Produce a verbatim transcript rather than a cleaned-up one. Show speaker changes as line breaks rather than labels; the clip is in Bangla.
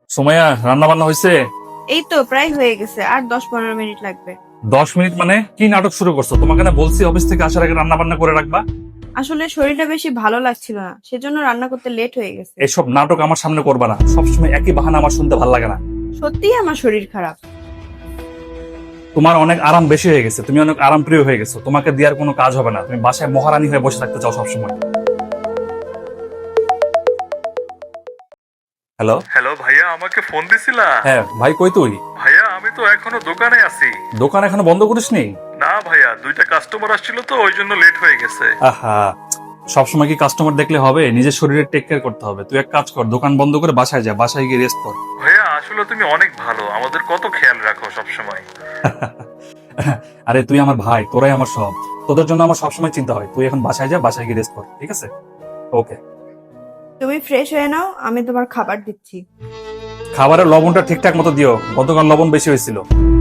সুমাইয়া, রান্না বান্না হয়েছে?
এই তো প্রায় হয়ে গেছে, আর দশ পনেরো মিনিট লাগবে।
দশ মিনিট মানে কি নাটক শুরু করছো? তোমাকে না বলছি অফিস থেকে আসার আগে রান্না বান্না করে রাখবা।
আসলে শরীরটা বেশি ভালো লাগছিল না, সেজন্য রান্না করতে লেট হয়ে গেছে।
এসব নাটক আমার সামনে করবা না, সবসময় একই বাহানা আমার শুনতে ভালো লাগে না।
সত্যিই আমার শরীর খারাপ।
তোমার অনেক আরাম বেশি হয়ে গেছে, তুমি অনেক আরাম প্রিয় হয়ে গেছো, তোমাকে দেওয়ার কোনো কাজ হবে না। তুমি বাসায় মহারানী হয়ে বসে থাকতে চাও সবসময়। হ্যালো।
হ্যালো ভাইয়া, আমাকে ফোন দিছিলা?
হ্যাঁ ভাই, কই তুই?
ভাইয়া আমি তো এখনো দোকানে আছি।
দোকান এখনো বন্ধ করিসনি?
না ভাইয়া, দুইটা কাস্টমার আসছিল তো ওই জন্য লেট হয়ে গেছে।
আহা, সবসময় কি কাস্টমার দেখলে হবে? নিজের শরীরের টেক কেয়ার করতে হবে। তুই এক কাজ কর, দোকান বন্ধ করে বাসায় যা, বাসায় গিয়ে রেস্ট কর।
ভাইয়া আসলে তুমি অনেক ভালো, আমাদের কত খেয়াল রাখো সব সময়।
আরে তুই আমার ভাই, তোরাই আমার সব। তোদের জন্য আমার সবসময় চিন্তা হয়। তুই এখন বাসায় যা, বাসায় গিয়ে রেস্ট কর, ঠিক আছে? ওকে।
তুমি ফ্রেশ হয়ে নাও, আমি তোমার খাবার দিচ্ছি।
খাবারের লবণটা ঠিকঠাক মতো দিও, গতকাল লবণ বেশি হয়েছিল।